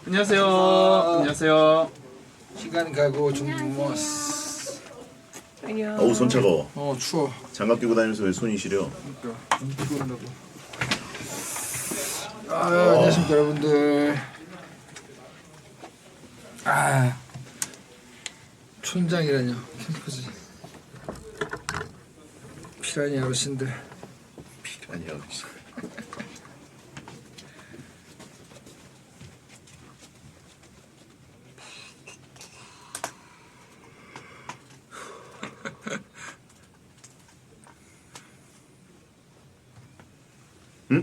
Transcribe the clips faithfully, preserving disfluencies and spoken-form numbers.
안녕하세요. 아, 안녕하세요. 시간 가고 좀 모았어. 안녕. 어우 손 차가워. 어 추워. 장갑 끼고 다니면서 왜 손이 시려? 그러니까 좀 피곤하고. 아 안녕하십니까 여러분들. 아 촌장이라뇨 캠프지. 피라니 어르신들. 피라니 어르신. 응?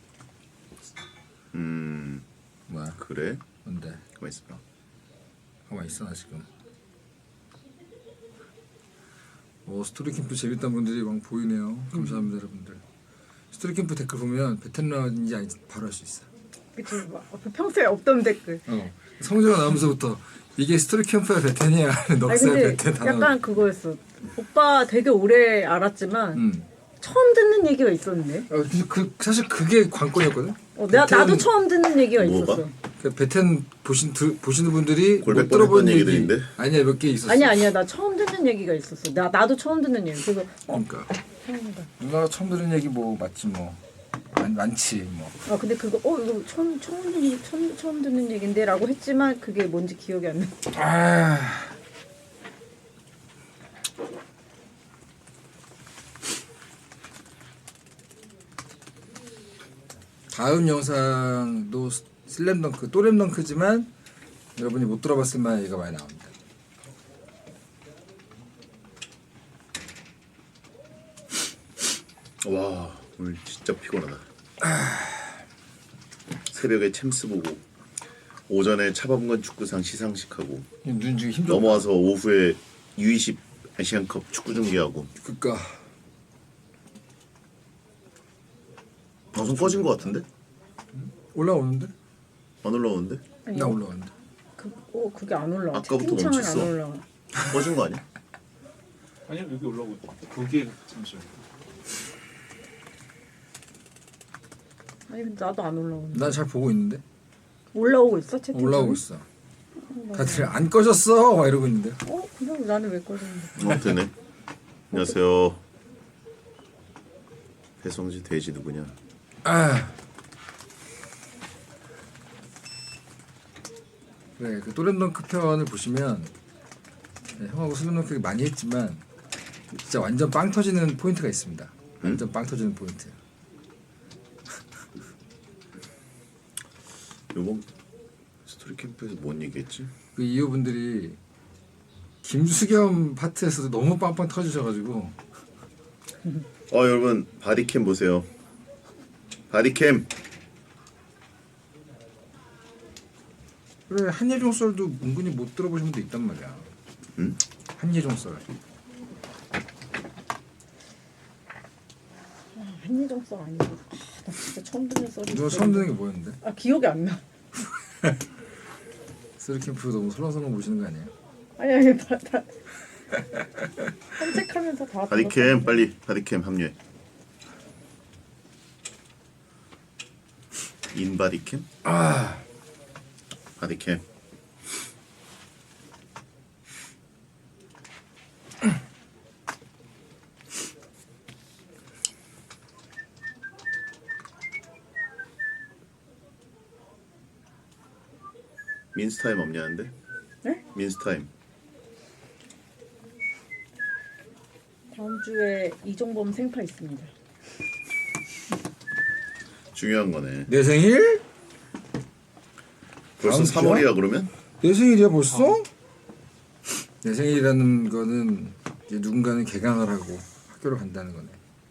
음 뭐야? 그래? 뭔데? 가만 있어봐. 가만 있어 나 지금. 오 스토리 캠프 재밌다는 분들이 막 보이네요. 감사합니다 여러분들. 스토리 캠프 댓글 보면 베테랑인지 아닌지 바로 알 수 있어. 그치, 막 평소에 없던 댓글. 어 성재가 나오면서부터 이게 스토리 캠프야 베텐이야 아니 넉살 근데 베텐 다 약간 나오네. 그거였어. 오빠 되게 오래 알았지만 음. 처음 듣는 얘기가 있었네. 어, 근데 그 사실 그게 관건이었거든. 어, 내가 베텐- 나도 처음 듣는 얘기가 뭐가? 있었어. 그 베텐 보신 드, 보시는 분들이 골백 못 들어본 뻔했던 얘기 얘기들인데? 아니야 몇 개 있었어. 아니야 아니야 나 처음 듣는 얘기가 있었어. 나 나도 처음 듣는 얘기. 그래서 어 그러니까 처음이다. 누나가 처음 들은 얘기 뭐 맞지 뭐 많, 많지 뭐. 아 근데 그거 어 이거 처음 처음 듣는 처음 처음 듣는 얘긴데라고 했지만 그게 뭔지 기억이 안 나. 아. 다음 영상도 슬램덩크 또램덩크지만 여러분이 못 들어봤을 만한 얘기가 많이 나옵니다. 와 오늘 진짜 피곤하다. 새벽에 챔스 보고 오전에 차범근 축구상 시상식하고 눈 지금 힘들어. 넘어와서 오후에 유이십 아시안컵 축구 중계하고 그니까 방송 꺼진 것 같은데? 올라오는데? 안 올라오는데? 아니, 나 올라왔는데. 그, 어 그게 안 올라와. 아까부터 채팅창은 안 멈췄어. 올라와. 꺼진 거 아니야? 아니요 여기 올라오고 있다. 그게 잠시만. 아니 근데 나도 안 올라오는데. 난 잘 보고 있는데. 올라오고 있어 채팅창? 올라오고 있어. 다들 안 꺼졌어 막 이러고 있는데. 어 그럼 나는 왜 꺼졌는데? 어 되네. 안녕하세요. 배성지 돼지 누구냐? 아. 그래 그 또램덩크 편을 보시면 네, 형하고 슬램덩크 많이 했지만 진짜 완전 빵 터지는 포인트가 있습니다. 완전 빵 터지는 포인트. 요번 스토리 캠프에서 뭔 얘기했지? 그 이호분들이 김수겸 파트에서도 너무 빵빵 터지셔가지고 어 여러분 바디캠 보세요. 바디캠. 그래 한예종 썰도 은근히 못 들어보신 분도 있단 말이야. 응? 한예종 썰. 한예종 썰 아니고 아, 나 진짜 처음 듣는 썰이 누가 있어. 처음 듣는 게 뭐였는데? 아 기억이 안 나. 스토리캠프 너무 설렁설렁 보시는 거 아니에요? 아니 아니 다, 다 산책하면서 다 바디캠 빨리 바디캠 합류해. 인바디캠? 아 바디캠. 민스타임 없냐는데? 네? 민스타임. 다음 주에 이종범 생파 있습니다. 중요한 거네. 내 생일? 벌써 다음 삼월이야 그러면? 내 생일이야 벌써? 내 생일이라는 거는 이제 누군가는 개강을 하고 학교를 간다는 거네.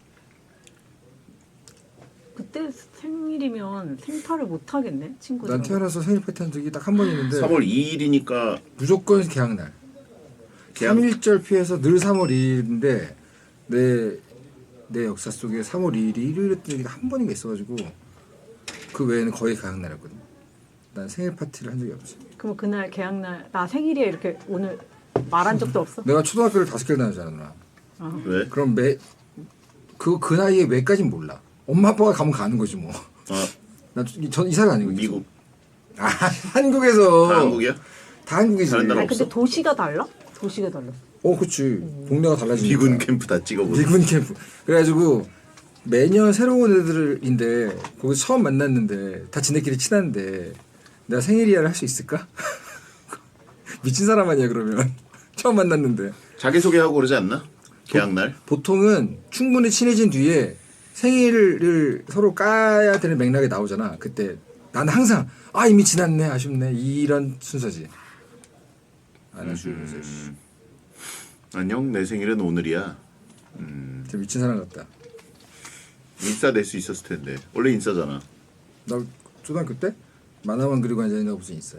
그때 생일이면 생파를 못 하겠네 친구들. 난 태어나서 생일 파티 한 적이 딱 한 번 있는데 삼월 이일이니까 무조건 개학날. 개학- 삼일절 피해서 늘 삼월 이일인데 내, 내 역사 속에 삼월 이일이 일요일이었던 적이 한 번인가 있어가지고 그 외에는 거의 개학날이었거든. 난 생일 파티를 한 적이 없지. 그럼 그날 개학날 나 생일이야 이렇게 오늘 말한 적도 없어? 내가 초등학교를 다섯 개를 다녔잖아 누나. 왜? 그럼 매 그 그 나이에 왜까진 몰라. 엄마 아빠가 가면 가는 거지 뭐. 아 나전 이사를 아니고 미국 아 한국에서 다 한국이야? 다 한국이지. 다른 나라 아니 근데 없어? 도시가 달라? 도시가 달라. 어 그치. 동네가 달라지니까. 미군 캠프 다 찍어보고. 미군 캠프. 그래가지고 매년 새로운 애들인데 거기 처음 만났는데 다 지네끼리 친한데 내가 생일이야를 할 수 있을까? 미친 사람 아니야 그러면. 처음 만났는데. 자기소개하고 그러지 않나? 계약날? 보통은 충분히 친해진 뒤에 생일을 서로 까야 되는 맥락이 나오잖아. 그때 나는 항상 아 이미 지났네 아쉽네 이런 순서지. 안 해주면서 음. 안녕 내 생일은 오늘이야. 진짜 미친 사람 같다. 인싸 낼 수 있었을 텐데. 원래 인싸잖아. 나 초등학교 때 만화만 그리고 앉아있는 거 무슨 인싸야.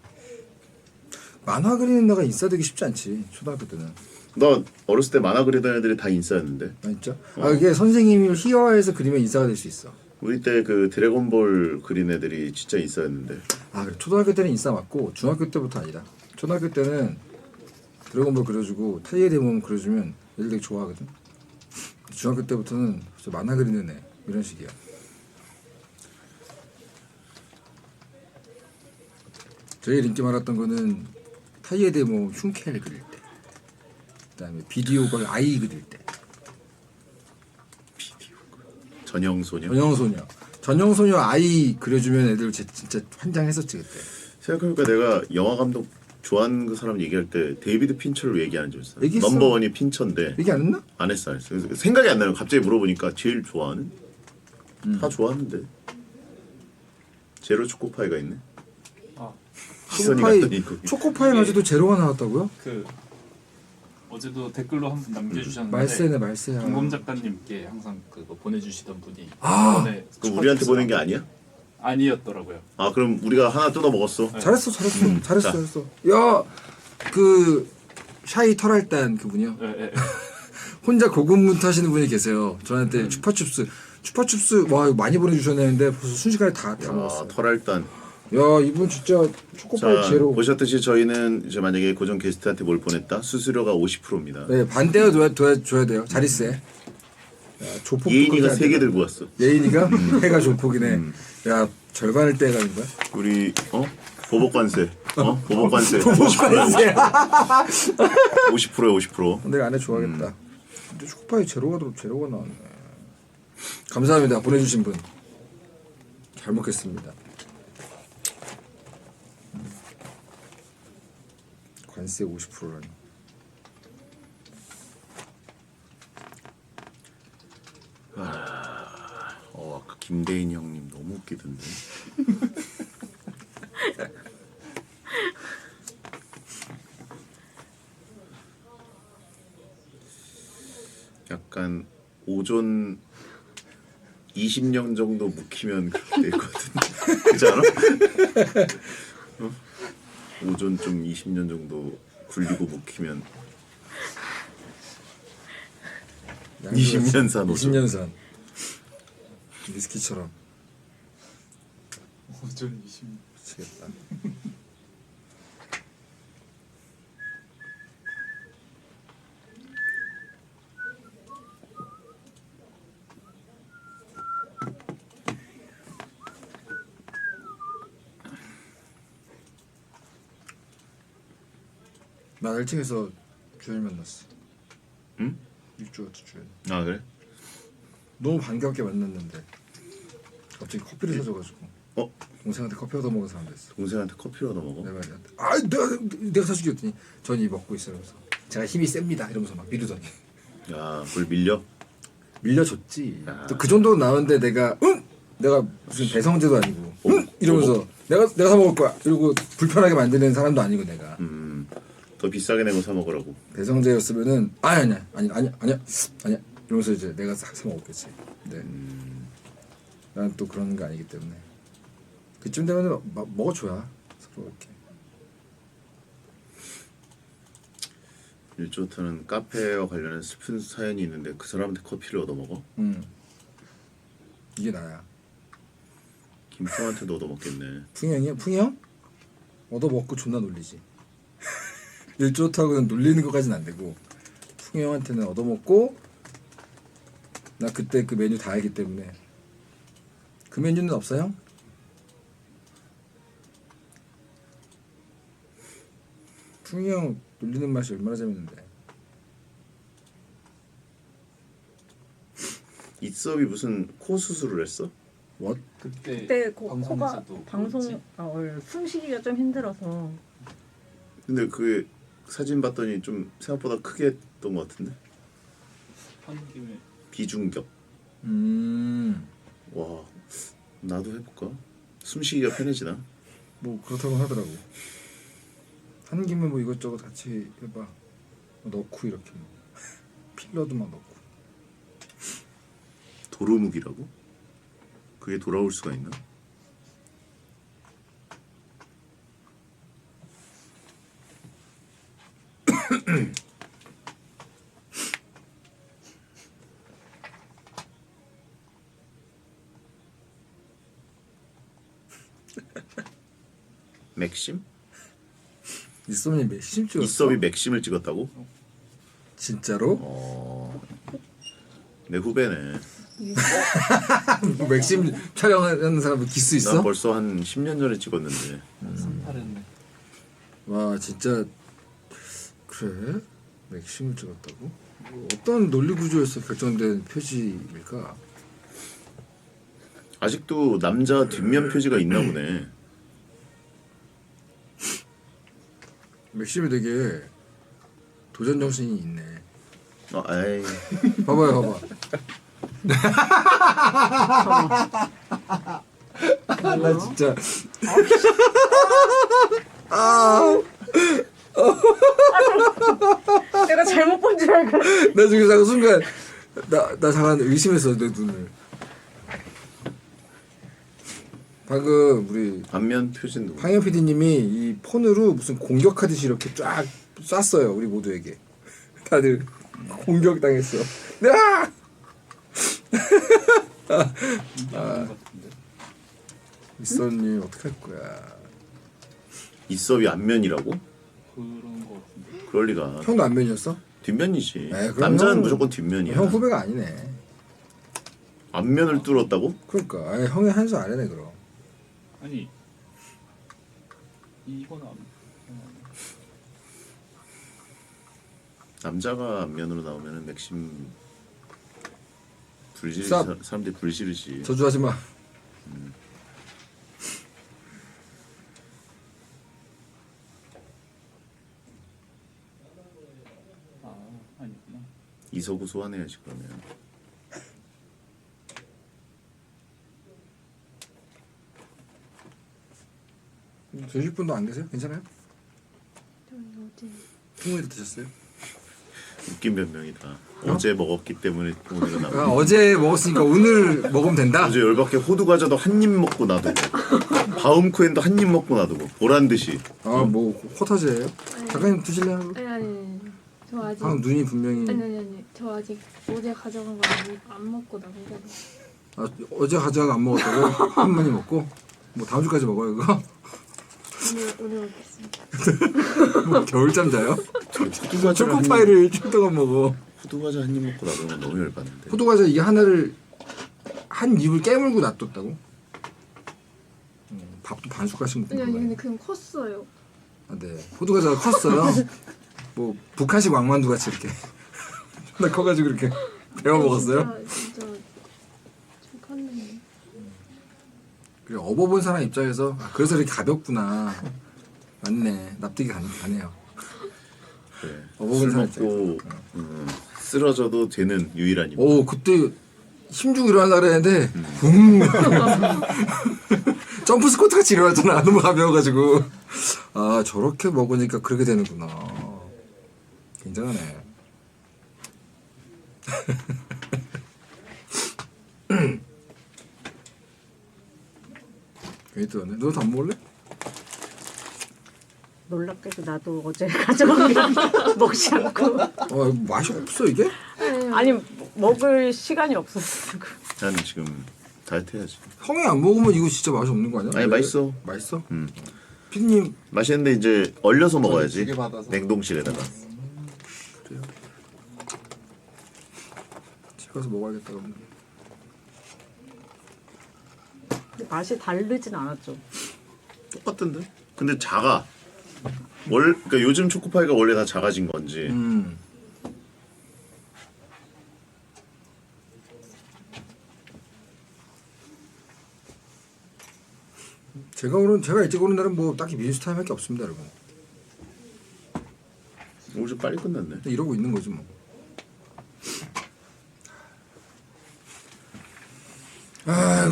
만화 그리는 나가 인싸 되기 쉽지 않지 초등학교 때는. 너 어렸을 때 만화 그리던 애들이 다 인싸였는데. 아 진짜? 아 이게 선생님이 희화해서 그리면 인싸가 될 수 있어. 우리 때 그 드래곤볼 그린 애들이 진짜 인싸였는데. 아 그래 초등학교 때는 인싸 맞고 중학교 때부터 아니다. 초등학교 때는 드래곤볼 그려주고 타이의 대몸 그려주면 애들 되게 좋아하거든. 중학교 때부터는 진짜 만화 그리는 애 이런 식이야. 제일 인기 많았던 거는 타이의 대몸 흉켈 그릴 때, 그다음에 비디오걸 아이 그릴 때. 전형소녀. 전형소녀 전형소녀 아이 그려주면 애들 제- 진짜 환장했었지 그때. 생각해보니까 내가 영화 감독 좋아하는 그 사람 얘기할 때 데이비드 핀처를 얘기하는 줄 알았어. 얘기했어. 넘버원이 핀처인데 얘기 안 했나? 안 했어 안 했어. 그래서 생각이 안 나요. 갑자기 물어보니까 제일 좋아하는? 음. 다 좋아하는데. 제로 초코파이가 있네. 아, 시선이 초코파이 갔더니 거기. 초코파이마저도 제로가 나왔다고요? 그 어제도 댓글로 한 분 남겨주셨는데 말세네 말세야. 김곰 작가님께 항상 그거 보내주시던 분이 아, 이번에 그 우리한테 축하 보낸 게 아니야? 아니었더라고요. 아 그럼 우리가 하나 뜯어 먹었어. 잘했어 잘했어 음, 잘했어 자. 잘했어. 야 그 샤이 털알단 그분이요. 예, 예, 예. 혼자 고군분투하시는 분이 계세요. 저한테 음. 추파춥스 추파춥스 와 이거 많이 보내주셨는데 벌써 순식간에 다 다 아, 먹었어요. 털알단. 야 이분 진짜 초코파이 자 제로. 보셨듯이 저희는 이제 만약에 고정 게스트한테 뭘 보냈다 수수료가 오십 퍼센트입니다. 네 반대어 둬야, 둬야, 줘야 돼요. 자리세. 야, 조폭 예인이가 세 개 들고 왔어. 예인이가 해가 조폭이네. 야 절반을 떼가는 거야? 우리 어 보복관세 어 보복관세 오십 퍼센트 오십 퍼센트에 오십 퍼센트. 내가 안에 좋아하겠다. 근데 초코파이 제로가 들어 제로가 나왔네. 감사합니다 보내주신 분. 잘 먹겠습니다. 관세 오십 퍼센트라니. 어 아까 김대인 형님 너무 웃기던데. 약간 오존 이십 년 정도 묵히면 그렇게 될 것 같은데 그렇지 않아? 어? 오존 좀 이십 년 정도 굴리고 묵히면 이십 년 산 오존. 이십 년 산. 위스키처럼 오전 이십. 미치겠다. 나 일 층에서 주현이 만났어. 응? 일주 같은 주현. 아 그래? 너무 반갑게 만났는데 갑자기 커피를 예. 사줘가지고 어? 동생한테 커피 얻어 먹은 사람 됐어. 동생한테 커피를 얻어 먹어? 내 말이한테 아 내가 내가 사주기 했더니 전이 먹고 있으면서 제가 힘이 셉니다 이러면서 막 미루더니 야 그걸 밀려? 밀려줬지. 아. 또 그 정도 나오는데 내가 응 내가 무슨 배성재도 아니고 어, 응 이러면서 내가 내가 사 먹을 거야 이러고 불편하게 만드는 사람도 아니고 내가 음, 더 비싸게 내고 사 먹으라고. 배성재였으면은 아니 아니야 아니 아니 아니야 아니야 이러면서 이제 내가 사, 사 먹었겠지. 네. 나는 또 그런 게 아니기 때문에 그쯤 되면은 마, 먹어줘야 서로 이렇게. 일조타는 카페와 관련한 슬픈 사연이 있는데 그 사람한테 커피를 얻어 먹어? 음 이게 나야. 김풍한테도 얻어 먹겠네. 풍형이야 풍형? 얻어 먹고 존나 놀리지. 일조타고는 놀리는 것까지는 안 되고 풍형한테는 얻어 먹고 나 그때 그 메뉴 다 알기 때문에 그 메뉴는 없어요? 풍이 형 놀리는 맛이 얼마나 재밌는데. 이섭이 무슨 코 수술을 했어? 뭐? 그때, 그때 코, 코가 방송에서도 방송 그랬지. 아, 어, 숨쉬기가 좀 힘들어서 근데 그 사진 봤더니 좀 생각보다 크게 했던 것 같은데. 한 김에 비중격. 음. 와 나도 해볼까? 숨쉬기가 편해지나? 뭐 그렇다고 하더라고. 한 김에 뭐 이것저것 같이 해봐. 뭐 넣고 이렇게 뭐. 필러도 막 넣고. 도루묵이라고? 그게 돌아올 수가 있나? 맥심? 이썸이 몇심 찍었어? 이섭이 맥심을 찍었다고? 진짜로? 어... 내 후배네. 뭐 맥심 촬영하는 사람 기수 나 있어? 벌써 한 십 년 전에 찍었는데. 삼팔했네. 와 진짜 그래? 맥심을 찍었다고? 뭐 어떤 논리 구조에서 결정된 표지일까? 아직도 남자 뒷면 표지가 있나 보네. 맥심이 되게 도전 정신이 있네. 어, 에이. 봐봐요, 봐봐. 나 진짜 내가 잘못 본 줄 알고 나 지금 잠깐 순간 나 나 잠깐 의심했어 내 눈을. 방금 우리 앞면 표지는 누구? 황현 피디님이 이 폰으로 무슨 공격하듯이 이렇게 쫙 쐈어요 우리 모두에게. 다들 공격당했어. 야! 인정하는 것 같은데. 미선님 어떻게 할 거야? 이섭이 앞면이라고? 그런 거 같은데. 그럴 리가. 형도 안면이었어? 뒷면이지. 에이, 그럼 남자는 형- 무조건 뒷면이야. 형 후배가 아니네. 앞면을 뚫었다고? 그러니까 아니, 형이 한 수 아래네 그럼. 아니 이건 안. 남자가 앞면으로 나오면은 맥심 불지르지. 쌉. 사- 사람들이 불지르지. 저주하지 마. 아 아니구나. 이서구 소환해야지 그러면. 드실 분도 안 계세요? 괜찮아요? 어디 풍물이 드셨어요? 웃긴 변명이다. 어제 먹었기 때문에 오늘은 아, 나오고. 어제 먹었으니까 오늘 먹으면 된다. 어제 열받게 호두 과자도 한 입 먹고 놔두고 바움쿠엔도 한 입 먹고 놔두고 보란 듯이. 아뭐 코타지예요? 작가님 드실래요? 아니 아니 아니 저 아직 방 눈이 분명히 아니 아니 아니 저 아직 어제 가져간 거 안, 안 먹고 남은 거 아, 어제 가져가 안 먹었다고 한 번이 먹고 뭐 다음 주까지 먹어요 이거? 오늘 오늘 먹겠습니다. 뭐 겨울잠 자요? 호두 과자 초코파이를 일주일 동안 먹어. 호두 과자 한 입 먹고 놔두면 너무 열받는데. 호두 과자 이게 하나를 한 입을 깨물고 놔뒀다고? 음, 밥도 반 숟갈씩 먹는 아니 아니 거야. 근데 그냥 컸어요. 아, 네. 호두 과자가 컸어요. 뭐 북한식 왕만두 같이 이렇게 나 커가지고 이렇게 배워 먹었어요. 진짜 진짜 좀 컸는데. 그래 업어본 사람 입장에서 아, 그래서 이렇게 가볍구나. 맞네. 납득이 가, 가네요. 그래. 어버분 술 사람 먹고 음, 쓰러져도 되는 유일한 입. 오 그때 힘주고 일어나려고 그랬는데 붕 점프 스쿼트 같이 일어났잖아. 너무 가벼워가지고 아 저렇게 먹으니까 그렇게 되는구나. 굉장하네. 괜히 뜨었네. 너도 안 먹을래? 놀랍게도 나도 어제 가져간 게 먹지 않고 어 맛이 없어 이게? 아니 먹을 시간이 없었어. 난 지금 다이어트 해야지. 형이 안 먹으면 이거 진짜 맛이 없는 거 아니야? 아니, 왜? 맛있어. 맛있어? 음. 피디님 맛있는데 이제 얼려서 먹어야지. 두개 받아서. 냉동실에다가. 그래요? 집 가서 먹어야겠다 그러면. 맛이 다르진 않았죠. 똑같던데. 근데 작아. 월 그러니까 요즘 초코파이가 원래 다 작아진 건지. 음. 제가 오는 제가 일찍 오는 날은 뭐 딱히 미니스타임할 게 없습니다, 여러분. 오늘 좀 빨리 끝났네. 이러고 있는 거지 뭐. 아이고.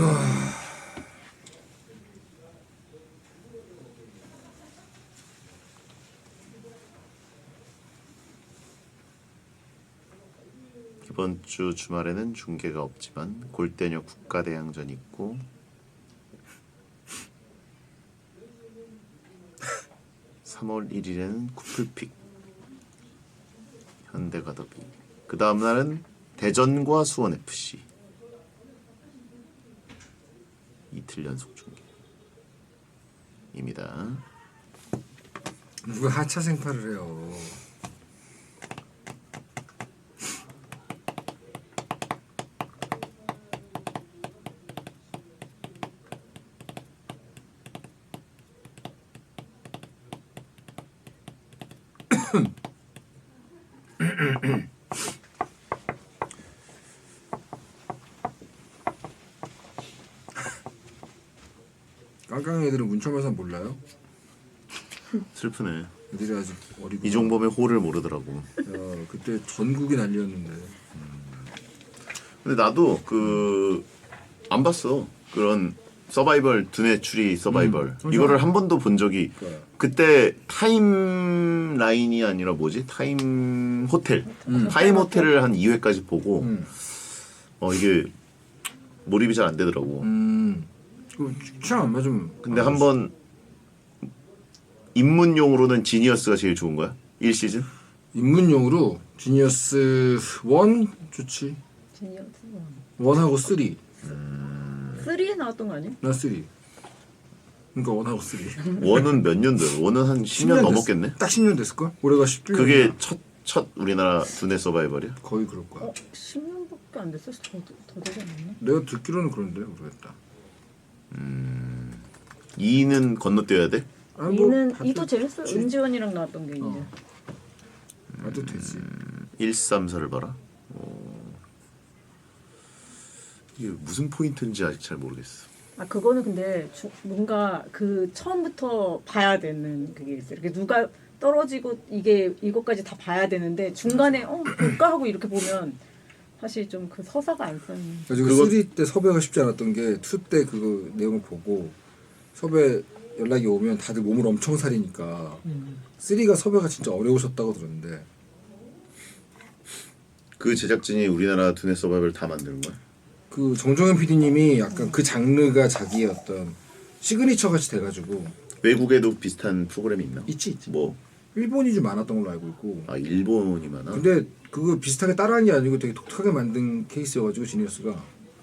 이번 주 주말에는 중계가 없지만 골대녀 국가대항전 있고 삼월 일일에는 쿠플픽 현대가 더비 그 다음 날은 대전과 수원에프씨 이틀 연속 중계입니다. 누가 하차 생파를 해요. 깡깡이 애들은 문철만사 몰라요? 슬프네. 애들이 아직 어리고. 이종범의 호를 모르더라고. 야, 그때 전국이 난리였는데. 근데 나도 그 안 봤어. 그런 서바이벌 두뇌 추리 서바이벌 음, 이거를 한 번도 본 적이 그러니까. 그때 타임 라인이 아니라 뭐지 타임 호텔 음. 타임 호텔을 한 이 회까지 보고 음. 어 이게 몰입이 잘 안 되더라고. 음. 그 취향 안 맞으면. 근데 안 한번 입문용으로는 지니어스가 제일 좋은 거야? 일 시즌? 입문용으로 지니어스 일 좋지. 제니어스 일하고 삼. 쓰리에 나왔던 거 아니야? 나 삼. 그러니까 일하고 삼. 원은 몇 년도야? 원은 한 십 년 넘었겠네? 딱 십 년 됐을걸? 올해가 십칠 년. 그게 첫, 첫 우리나라 두뇌 서바이벌이야? 거의 그럴 거야. 어? 십 년밖에 안 됐어? 더, 더 되지 않았나? 내가 듣기로는 그런데 모르겠다. 이는 건너뛰어야 돼? 아니, 뭐 이는 봐도 이도 재밌어. 되지. 은지원이랑 나왔던 게 이제. 어. 봐도 되지. 일삼사를 봐라. 오. 이게 무슨 포인트인지 아직 잘 모르겠어. 아 그거는 근데 주, 뭔가 그 처음부터 봐야 되는 그게 있어요. 이렇게 누가 떨어지고 이게 이것까지 다 봐야 되는데 중간에 어 볼까 하고 이렇게 보면 사실 좀 그 서사가 안 쓰는. 그래서 그거- 삼 때 섭외가 쉽지 않았던 게 이 때 그거 내용을 보고 섭외 연락이 오면 다들 몸을 엄청 사리니까 음. 삼가 섭외가 진짜 어려우셨다고 들었는데 그 제작진이 우리나라 두뇌 서바이벌 다 만드는 거야? 그 정종현 피디님이 약간 그 장르가 자기의 어떤 시그니처 같이 돼가지고 외국에도 비슷한 프로그램이 있나? 있지 있지. 뭐? 일본이 좀 많았던 걸로 알고 있고. 아 일본이 많아? 근데 그거 비슷하게 따라한 게 아니고 되게 독특하게 만든 케이스여가지고 지니어스가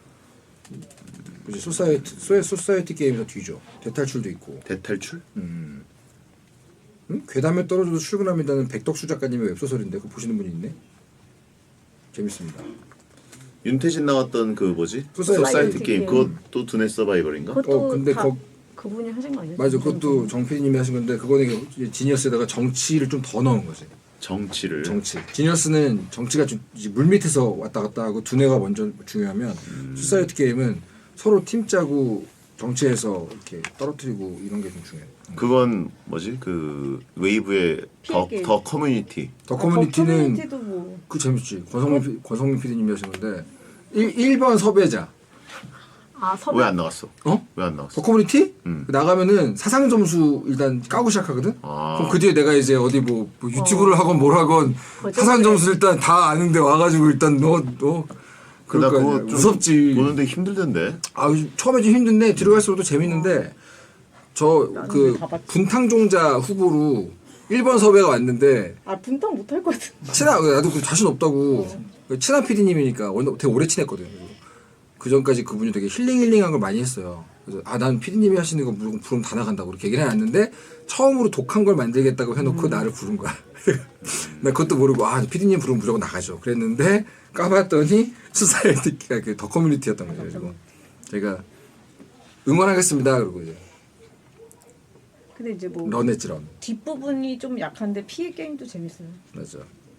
이제 소사이티 소에 소사이티 게임에서 뒤져. 대탈출도 있고. 대탈출? 음. 응? 괴담에 떨어져도 출근합니다는 백덕수 작가님의 웹소설인데 그거 보시는 분이 있네. 재밌습니다. 윤태진 나왔던 그 뭐지? 소사이티 소사이티 게임 게임. 그것도 두뇌 서바이벌인가? 그것도 어, 근데 다 거- 그분이 하신 거 아니에요? 맞아, 그것도 정 피디님이 하신 건데 그거는 이제 지니어스에다가 정치를 좀 더 넣은 거지. 정치를 정치. 지니어스는 정치가 좀 이제 물 밑에서 왔다 갔다 하고 두뇌가 먼저 중요하면 소사이어티 게임은 서로 팀 짜고 정치에서 이렇게 떨어뜨리고 이런 게 좀 중요해. 그건 뭐지? 그 웨이브의 더, 피해 더 커뮤니티 더 아, 커뮤니티는 커뮤니티도 뭐 그 재밌지. 권성민 피- 권성민 피디님이 하신 건데 일 번 섭외자. 아, 섭외 왜 안 나왔어? 어? 왜 안 더 나왔어? 커뮤니티? 음. 나가면은 사상 점수 일단 까고 시작하거든. 아. 그럼 그 뒤에 내가 이제 어디 뭐, 뭐 유튜브를 하건 뭘 하건 거짓말을 사상 점수 일단 다 아는데 와가지고 일단 너너 그럴 거 아니야. 좀 무섭지. 보는데 힘들던데. 아 처음에 좀 힘든데 들어갈수록 또 재밌는데 저 나는 그 다 봤지. 분탕종자 후보로 일 번 섭외가 왔는데 아 분탕 못할 것 같은데. 친한 나도 그 자신 없다고 그 친한 피디님이니까 원래 되게 오래 친했거든. 그 전까지 그분이 되게 힐링 힐링한 걸 많이 했어요. 그래서 아 난 피디님이 하시는 거 무조건 부르면 다 나간다고 그렇게 얘기를 해놨는데 처음으로 독한 걸 만들겠다고 해놓고 나를 부른 거야. 나 그것도 모르고 아 피디님 부르면 무조건 나가죠. 그랬는데 까봤더니 수사이티가 그 더 커뮤니티였던 거죠. 그래서 제가 응원하겠습니다. 그러고 이제 근데 이제 뭐 런했지 런. 뒷부분이 좀 약한데 피해 게임도 재밌어요. 맞아.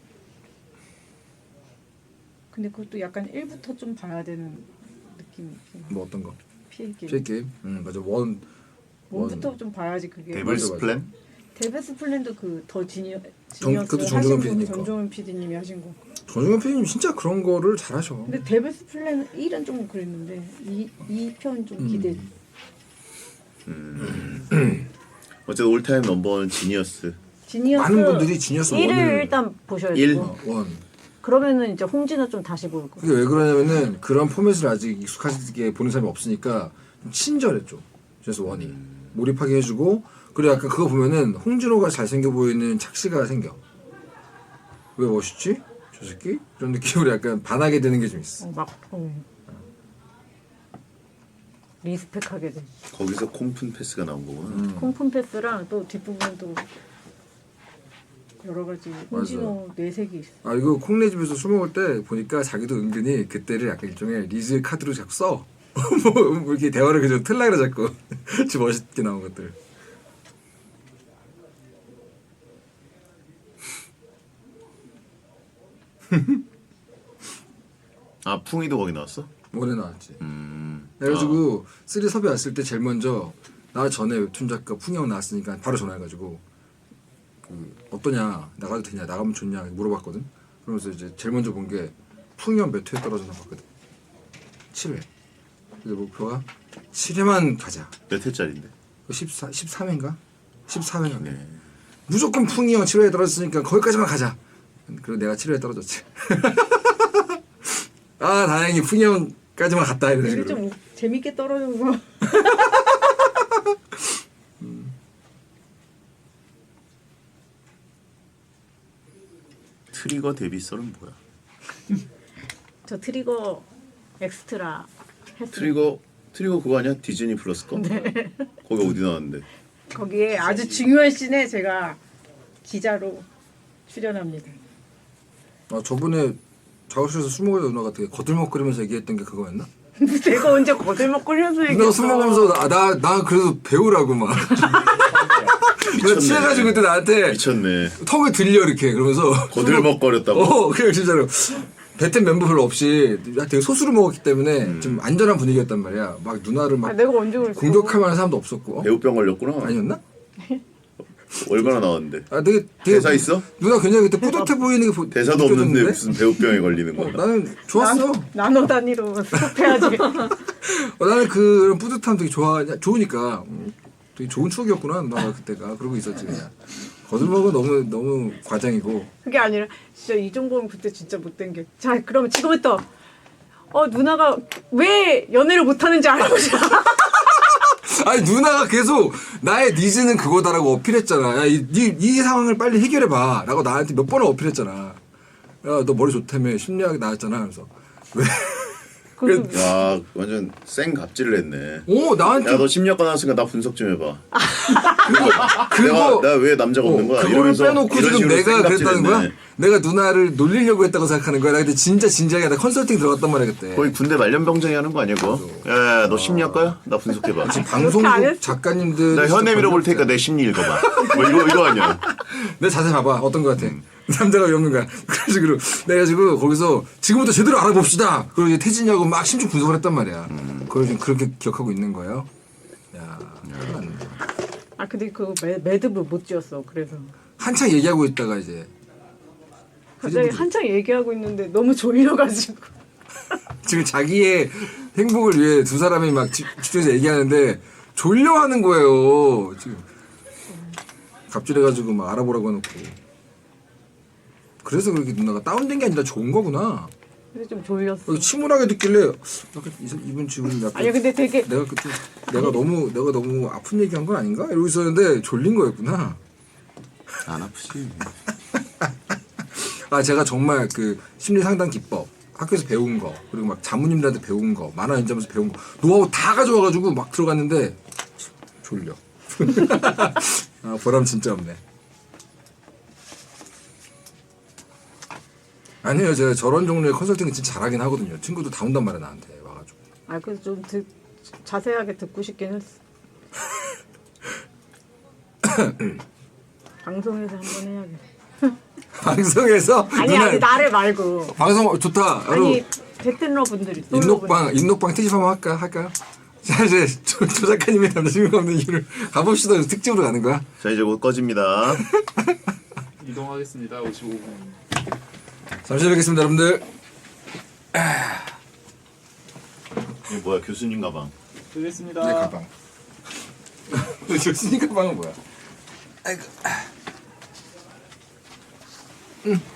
근데 그것도 약간 일부터 좀 봐야 되는 느낌이 있긴 해요. 뭐 어떤 거? 피해 게임. 피해 게임. 응 맞아 원. 원부터 좀 봐야지 그게. 데블스 맞아. 플랜? 데베스 플랜도 그 더 지니어 정- 지니어스 그것도 하신 정종원 분, 피디님 거. 정종원 피디님이 하신 거. 전종현 피디님 진짜 그런 거를 잘하셔. 근데 데베스 플랜 일은 좀 그랬는데 이 이 편 좀 음. 기대. 어쨌든 올타임 넘버원 지니어스. 지니어스 많은 분들이 지니어스 일을 원을 일단 보셔야 일? 되고. 어, 원. 그러면은 이제 홍진호 좀 다시 보일 거. 그게 왜 그러냐면은 그런 포맷을 아직 익숙하게 보는 사람이 없으니까 좀 친절했죠. 그래서 원이 몰입하게 해주고 그리고 약간 그거 보면은 홍진호가 잘생겨 보이는 착시가 생겨. 왜 멋있지? 저 새끼? 이런 느낌으로 약간 반하게 되는 게 좀 있어. 어, 막 어. 리스펙하게 돼. 거기서 콤푼 패스가 나온 거구나. 음. 콩푼 패스랑 또 뒷부분도 여러 가지 홍진호 뇌색이 있어. 아 이거 콩네 집에서 술 먹을 때 보니까 자기도 은근히 그때를 약간 일종의 리즈 카드로 자꾸 써. 뭐, 뭐 이렇게 대화를 그저 틀라 그래 자꾸. 좀 멋있게 나온 것들. 아 풍이도 거기 나왔어? 뭐래 나왔지. 음. 그래가지고 쓰리 섭외 왔을 때 제일 먼저 나 전에 웹툰 작가 풍영 나왔으니까 바로 전화해가지고 그 어떠냐 나가도 되냐 나가면 좋냐 물어봤거든. 그러면서 이제 제일 먼저 본 게 풍영 몇 회에 떨어졌나 봤거든. 칠 회. 근데 목표가 칠 회만 가자. 몇 회짜리인데? 십사, 십삼 회인가? 십사 회인가? 네. 무조건 풍영 칠 회에 떨어졌으니까 거기까지만 가자. 그리고 내가 칠 회에 떨어졌지. 아 다행히 풍영까지만 갔다 이런 이게 식으로. 좀 재밌게 떨어져서 트리거 데뷔 썰은 뭐야? 저 트리거 엑스트라 했어요. 트리거 트리거 그거 아니야? 디즈니 플러스 거? 네. 거기 어디 나왔는데? 거기에 아주 중요한 씬에 제가 기자로 출연합니다. 아 저번에 작업실에서 술 먹으려다 누나가 되게 거들먹거리면서 얘기했던 게 그거였나? 내가 언제 거들먹거리면서 누나가 얘기했어. 술 먹으면서 아, 나, 나 그래도 배우라고 막 나 취해가지고 그때 나한테 미쳤네. 턱을 들려 이렇게 그러면서 거들먹거렸다고? 어 그냥 진짜로 배텐 멤버 별로 없이 되게 소수를 먹었기 때문에 음. 좀 안전한 분위기였단 말이야. 막 누나를 아, 막 내가 언제 그랬어? 공격할 만한 사람도 없었고 어? 배우병 걸렸구나. 아니었나? 얼마나 나왔는데? 아 되게, 되게 대사 있어? 누나 굉장히 그때 뿌듯해 보이는 게 보, 대사도 느껴졌는데? 없는데 무슨 배우병에 걸리는 어, 거야? 나는 좋았어. 나노 단위로 스톱해야지. 어, 나는 그런 뿌듯함 되게 좋아, 좋으니까 음, 되게 좋은 추억이었구나 누나가 그때가 그러고 있었지 그냥. 거들먹은 너무 너무 과장이고. 그게 아니라 진짜 이종범 그때 진짜 못된 게. 자 그러면 지금부터 어 누나가 왜 연애를 못하는지 알아보자. 아니 누나가 계속 나의 니즈는 그거다라고 어필했잖아. 야, 이, 이, 이 상황을 빨리 해결해봐라고 나한테 몇 번을 어필했잖아. 야 너 머리 좋다며 심리학이 나왔잖아. 그래서 왜? 그, 야 완전 쌩 갑질을 했네. 오 나한테 야 너 심리학과 나왔으니까 나 분석 좀 해봐. 그거 내가 왜 남자가 없는 거야? 어, 그거를 이러면서 빼놓고 이런 지금 식으로 내가 쌩 그랬다는 거야? 갑질했네. 내가 누나를 놀리려고 했다고 생각하는 거야? 나 그때 진짜 진지하게 나 컨설팅 들어갔단 말이야 그때. 거의 군대 말년병장이 하는 거 아니야 그거? 야야 너 심리학과야? 나 분석해봐. 그렇게 안 방송국 했어. 작가님들 나 현애 밀어볼 테니까 내 심리 읽어봐. 뭐 이거 이거 아니야? 내 자세 봐봐 어떤 거 같아. 남자가 왜 없는 거야. 그런 식으로 내가지고 거기서 지금부터 제대로 알아봅시다. 그리고 이제 태진이하고 막 심층 분석을 했단 말이야. 그걸 지금 그렇게 기억하고 있는 거예요. 야, 큰일 났네. 아 근데 그 매, 매듭을 못 지었어. 그래서 한창 얘기하고 있다가 이제 갑자기 한창 얘기하고 있는데 너무 졸려가지고. 지금 자기의 행복을 위해 두 사람이 막 집- 집중해서 얘기하는데 졸려하는 거예요. 지금 갑질해가지고 막 알아보라고 해놓고. 그래서 그렇게 누나가 다운된 게 아니라 좋은 거구나. 근데 좀 졸렸어. 어, 침울하게 듣길래 약간 이- 이분 지금 약간 아니 근데 되게 내가 그때 내가 너무 내가 너무 아픈 얘기한 건 아닌가 이러고 있었는데 졸린 거였구나. 안 아프지. 아 제가 정말 그 심리 상담 기법 학교에서 배운 거 그리고 막 자문님들한테 배운 거 만화 연재하면서 배운 거 노하우 다 가져와가지고 막 들어갔는데 졸려. 아 보람 진짜 없네. 아니요 제가 저런 종류의 컨설팅을 진짜 잘하긴 하거든요. 친구도 다 온단 말이야 나한테 와가지고. 아 그래서 좀 듣, 자세하게 듣고 싶긴 했어. 방송에서 한번 해야겠다. 방송에서 아니 누나 아니 나를 말고. 방송 좋다. 여러분 아니 베트너 분들이 솔로 인녹방 인녹방 특집 한번 할까 할까요? 자 이제 조, 조 작가님의 남자친구가 없는 이유를 가봅시다. 특집으로 가는 거야. 자 이제 곧 꺼집니다. 이동하겠습니다. 오십오 분. 잠시 뵙겠습니다, 여러분들. 이게 뭐야 교수님 가방. 되겠습니다. 내 가방. 교수님 가방은 뭐야? 아이고. 응.